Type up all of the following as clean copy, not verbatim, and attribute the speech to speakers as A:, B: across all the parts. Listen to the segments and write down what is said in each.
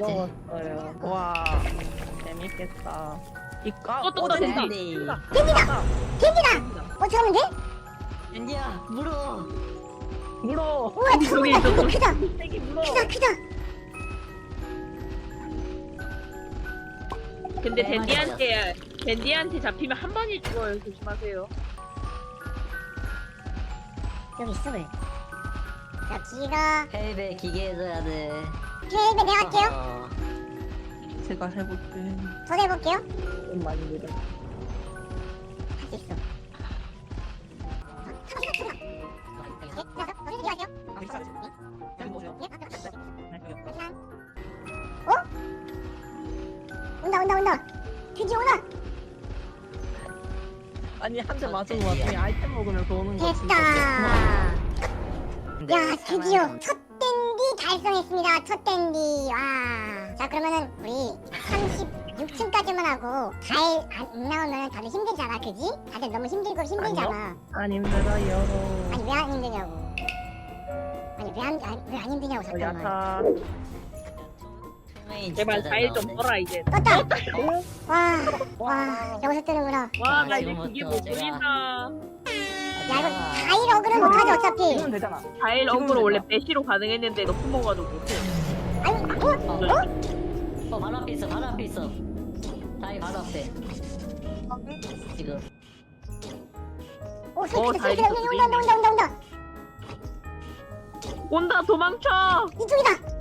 A: 즐거웠어요. 와, 재밌겠다.
B: 또 던진다.
C: 댄디다! 어떻게 하면 돼?
D: 댄디야 물어.
A: 물어.
C: 우와 잠깐만 이거 크다
A: 세기 물어.
C: 크다
B: 근데 댄디한테 잡히면 한 번이 죽어요. 조심하세요.
C: 여기 있어 왜? 자 기가
D: 헬베 기계 해줘야 돼.
C: 헬베 내가 할게요
A: 제가 해볼게.
C: 저도 해볼게요
A: 좀 많이 느려.
C: 할 수 있어 온다 드디어 오나
A: 아니 한 대 맞은 와중에 아이템 먹으면 도는 거 진짜.
C: 됐다 야 드디어 첫 댄디 달성했습니다 첫 댄디 와자 그러면은 우리 36층까지만 하고 잘 안 나오면 다들 힘들잖아 그지? 다들 너무 힘들잖아
A: 안 힘들어요.
C: 아니 왜 안 힘드냐고 아니 왜 안 힘드냐고 잠깐만
A: 야타.
B: 제발 4일 좀 벌어 이제.
C: 떴다 와 여기서 뜨는구나
B: 와 나 이제
D: 지금부터
B: 그게 못
D: 제가-
B: 그린다.
C: 야 이거 4일 어그는 못하지 어차피
A: 이면 되잖아.
B: 4일 어그로 원래 배시로 가능했는데 높은 먹어가지고 못해.
C: 아니
D: 바로 앞에 있어. 바로 앞에 있어. 다이 바로 앞에. 지금.
C: 오 소리
B: 다행이다,
C: 온다
B: 온다 도망쳐.
C: 이쪽이다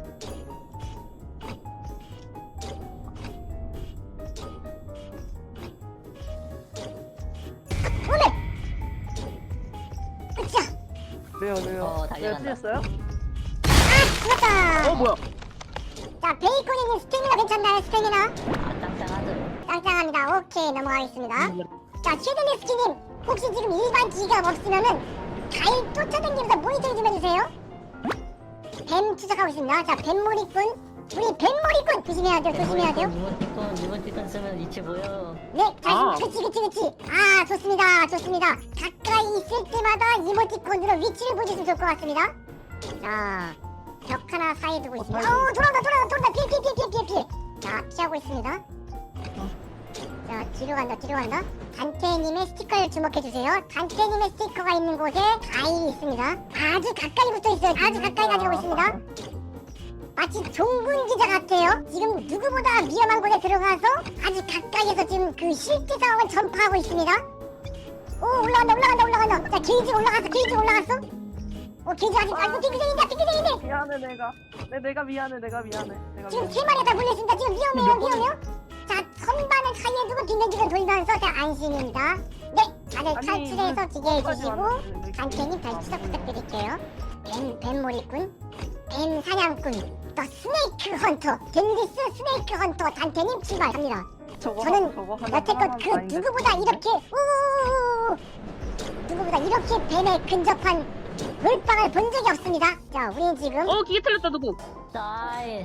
C: 오늘 으쌰
A: 왜요?
D: 어,
A: 왜
D: 달려간다.
A: 틀렸어요?
C: 죽었다
B: 뭐야?
C: 자 베이컨이님 스태미나 괜찮나요 스태미나
D: 짱짱하죠.
C: 짱짱합니다 오케이 넘어가겠습니다 자 최근의 스키님 혹시 지금 일반 지갑 없으면은 잘 쫓아다니면서 모니터링 좀 해주세요 뱀 추적하고 있습니다 자 뱀머리꾼 우리 뱀머리꾼 조심해야 돼요
D: 이모티콘 쓰면 위치 보여.
C: 네, 그치. 아, 좋습니다. 가까이 있을 때마다 이모티콘으로 위치를 보여주시면 좋을 것 같습니다. 자, 벽 하나 사이에 두고 있습니다. 돌아온다. 피해. 자, 피하고 있습니다. 자, 뒤로 간다. 단테님의 스티커를 주목해주세요. 단테님의 스티커가 있는 곳에 가일이 있습니다. 아주 가까이 붙어 있어요. 아주 가까이 가지고 있습니다. 마치 종군 기자 같아요. 지금 누구보다 위험한 곳에 들어가서 아주 가까이에서 지금 그 실제 상황을 전파하고 있습니다. 오 올라간다. 자 게이지 올라갔어. 오 게이지 아직 핑크색인데.
A: 미안해 내가 미안해.
C: 지금 세 마리가 다 물렸습니다. 지금 위험해요. 자 선반을 사이에 두고 빙글빙글 돌면서 자 안심입니다. 네 다들 탈출해서 기계해주시고 단테님 다시 추적 부탁드릴게요. 뱀몰이꾼 뱀 사냥꾼 더 스네이크 헌터 댄디스 스네이크 헌터 단테님 출발합니다. 저는 여태껏 그 누구보다 이렇게 뱀에 근접한 물방을 본 적이 없습니다. 자 우리는 지금
B: 기계 틀렸다 누구?
D: 다이.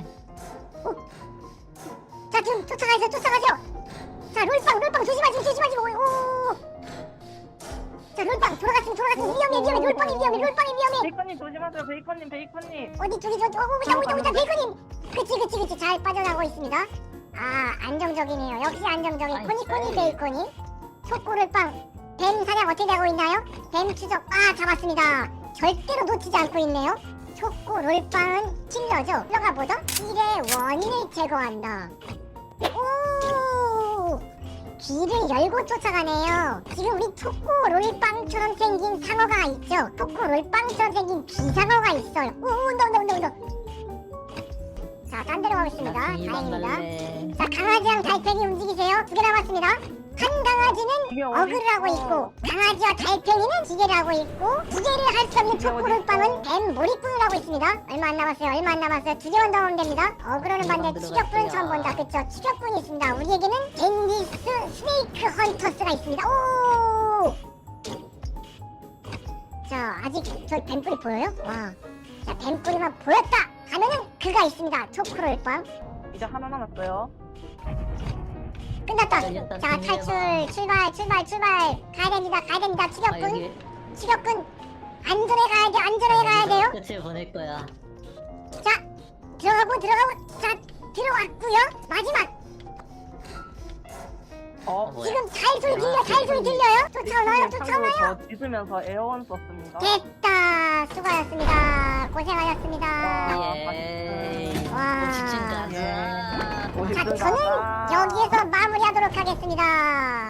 C: 자 지금 쫓아가죠. 자 롤빵 조심하시고 자 롤빵 돌아갔으면 위험해 롤빵이 위험해
A: 베이컨님 조심하세요. 베이컨님.
C: 어디 쪽이죠? 오자 베이컨님 그치 잘 빠져나가고 있습니다. 아 안정적이네요. 역시 안정적인 코니코니 베이컨이 초코롤빵 뱀 사냥 어떻게 하고 있나요? 뱀 추적 잡았습니다. 절대로 놓치지 않고 있네요. 초코롤빵은 킬러죠. 킬러가 뭐죠? 킬의 원인을 제거한다. 오 길을 열고 쫓아가네요. 지금 우리 초코롤빵처럼 생긴 상어가 있죠. 초코롤빵처럼 생긴 비상어가 있어요. 오 온다. 자, 딴 데로 가겠습니다. 다행입니다. 자, 강아지랑 달팽이 움직이세요. 2개 남았습니다. 한 강아지는 어그를 하고 있고 강아지와 달팽이는 기계를 하고 있고 2개를 할 수 없는 초코롤빵은 뱀 몰입꾼을 하고 있습니다. 얼마 안 남았어요. 2개만 더 하면 됩니다. 어그로는 봤는데 추격꾼은 처음 본다. 그쵸? 추격꾼이 있습니다. 우리에게는 댄디스 스네이크 헌터스가 있습니다. 오! 자, 아직 저 뱀뿔이 보여요? 와. 자, 뱀뿔이만 보였다 하면은 그가 있습니다. 초코롤빵.
A: 이제 하나 남았어요.
C: 끝났다. 자 출발. 가야 됩니다. 추격꾼 안전해 가야 돼요.
D: 끝을 보낼 거야.
C: 자 들어가고 자 들어왔고요. 마지막
A: 어,
C: 지금 잘 소리 들려, 잘 소리 들려요? 쫓아오나요? 쫓아오나요?
A: 저 짖으면서 에어원 썼습니다.
C: 됐다. 수고하셨습니다. 고생하셨습니다.
D: 예.
C: 와.
D: 직진까지.
C: 자, 저는 여기에서 마무리하도록 하겠습니다.